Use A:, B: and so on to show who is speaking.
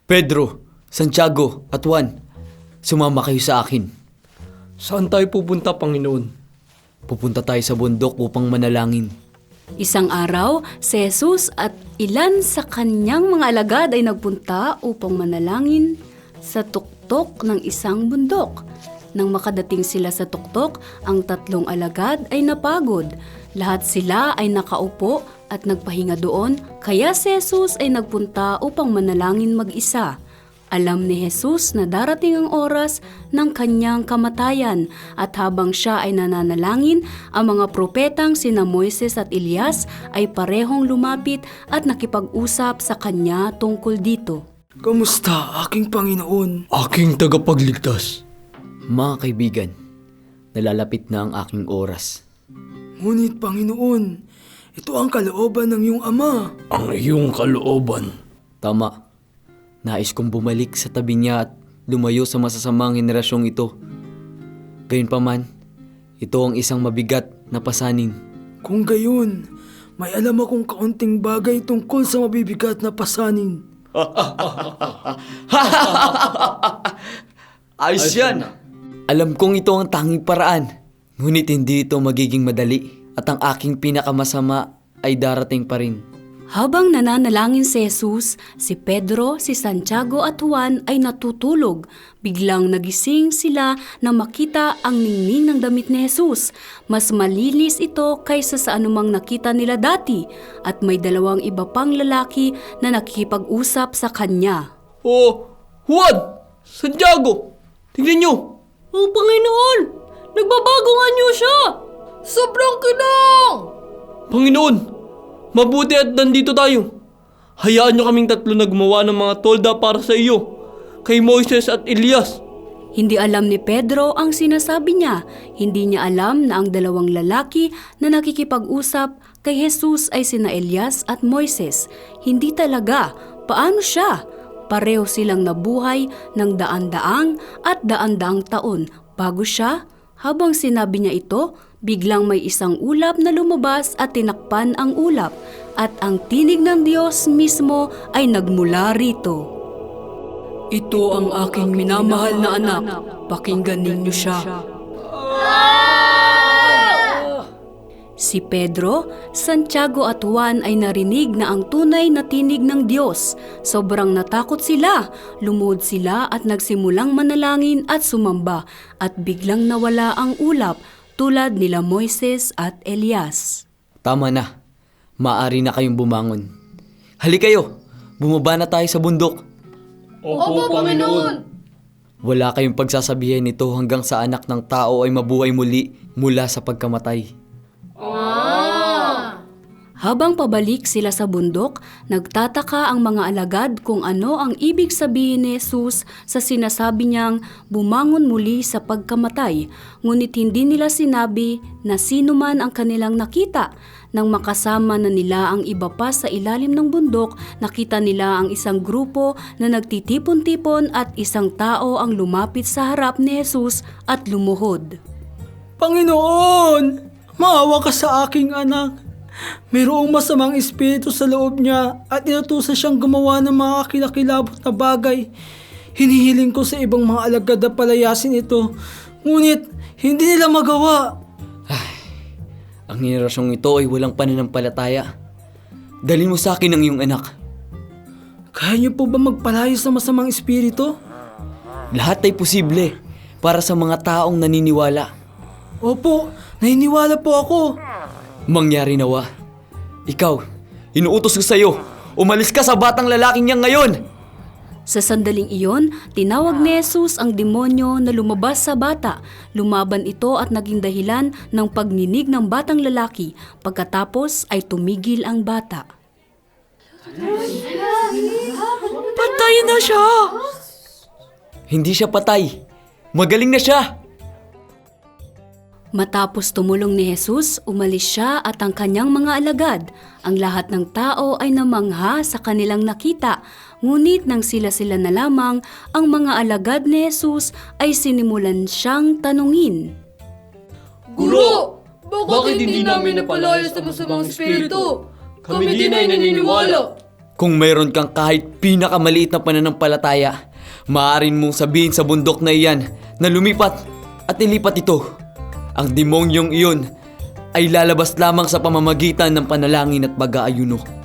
A: Pedro, Santiago at Juan, sumama kayo sa akin.
B: Saan tayo pupunta, Panginoon?
A: Pupunta tayo sa bundok upang manalangin.
C: Isang araw, si Jesus at ilan sa kanyang mga alagad ay nagpunta upang manalangin sa tuktok ng isang bundok. Nang makadating sila sa tuktok, ang tatlong alagad ay napagod. Lahat sila ay nakaupo at nagpahinga doon, kaya si Jesus ay nagpunta upang manalangin mag-isa. Alam ni Jesus na darating ang oras ng kanyang kamatayan at habang siya ay nananalangin, ang mga propetang sina Moises at Elias ay parehong lumapit at nakipag-usap sa kanya tungkol dito.
B: Kamusta, aking Panginoon?
A: Aking tagapagligtas. Mga kaibigan, nalalapit na ang aking oras.
B: Ngunit, Panginoon, ito ang kalooban ng iyong Ama. Ang iyong kalooban?
A: Tama. Nais kong bumalik sa tabi niya at lumayo sa masasamang henerasyong ito. Gayunpaman, ito ang isang mabigat na pasanin.
B: Kung gayon, may alam akong kaunting bagay tungkol sa mabibigat na pasanin.
A: Ayos yan! Alam kong ito ang tanging paraan, ngunit hindi ito magiging madali at ang aking pinakamasama ay darating pa rin.
C: Habang nananalangin si Jesus, si Pedro, si Santiago at Juan ay natutulog. Biglang nagising sila na makita ang ningning ng damit ni Jesus. Mas malinis ito kaysa sa anumang nakita nila dati at may dalawang iba pang lalaki na nakikipag-usap sa kanya.
B: Oh, Juan! Santiago! Tingnan nyo!
C: Oh Panginoon! Nagbabago nga niyo siya! Sobrang kinang!
B: Panginoon! Mabuti at nandito tayo. Hayaan nyo kaming tatlo na gumawa ng mga tolda para sa iyo, kay Moises at Elias.
C: Hindi alam ni Pedro ang sinasabi niya. Hindi niya alam na ang dalawang lalaki na nakikipag-usap kay Jesus ay sina Elias at Moises. Hindi talaga. Paano siya? Pareho silang nabuhay ng daan-daang at daan-daang taon bago siya. Habang sinabi niya ito, biglang may isang ulap na lumabas at tinakpan ang ulap at ang tinig ng Diyos mismo ay nagmula rito. Ito ang aking minamahal na anak, pakinggan ninyo siya. Si Pedro, Santiago at Juan ay narinig na ang tunay na tinig ng Diyos. Sobrang natakot sila, lumuhod sila at nagsimulang manalangin at sumamba at biglang nawala ang ulap tulad nila Moises at Elias.
A: Tama na. Maaari na kayong bumangon. Hali kayo, bumaba na tayo sa bundok.
B: Opo, Panginoon!
A: Wala kayong pagsasabihin nito hanggang sa anak ng tao ay mabuhay muli mula sa pagkamatay.
C: Habang pabalik sila sa bundok, nagtataka ang mga alagad kung ano ang ibig sabihin ni Jesus sa sinasabi niyang bumangon muli sa pagkamatay. Ngunit hindi nila sinabi na sino man ang kanilang nakita. Nang makasama na nila ang iba pa sa ilalim ng bundok, nakita nila ang isang grupo na nagtitipon-tipon at isang tao ang lumapit sa harap ni Jesus at lumuhod.
B: Panginoon! Maawa ka sa aking anak. Mayroong masamang espiritu sa loob niya at inutusan siyang gumawa ng mga kakilakilabot na bagay. Hinihiling ko sa ibang mga alagad na palayasin ito, ngunit hindi nila magawa.
A: Ang henerasyong ito ay walang pananampalataya. Dalhin mo sa akin ang iyong anak.
B: Kaya niyo po ba magpalayas sa masamang espiritu?
A: Lahat ay posible para sa mga taong naniniwala.
B: Opo, naniniwala po ako.
A: Mangyari nawa. Ikaw, inuutos ko sa'yo. Umalis ka sa batang lalaking niyan ngayon!
C: Sa sandaling iyon, tinawag ni Jesus ang demonyo na lumabas sa bata. Lumaban ito at naging dahilan ng pagninig ng batang lalaki. Pagkatapos ay tumigil ang bata.
B: Patay na siya!
A: Hindi siya patay. Magaling na siya!
C: Matapos tumulong ni Jesus, umalis siya at ang kanyang mga alagad. Ang lahat ng tao ay namangha sa kanilang nakita. Ngunit nang sila-sila na lamang, ang mga alagad ni Jesus ay sinimulan siyang tanungin.
D: Guro, bakit hindi namin napalaya sa masamang espiritu? Kami din ay naniniwala.
A: Kung mayroon kang kahit pinakamaliit na pananampalataya, maaaring mong sabihin sa bundok na iyan na lumipat at ilipat ito. Ang demonyong iyon ay lalabas lamang sa pamamagitan ng panalangin at pag-aayuno.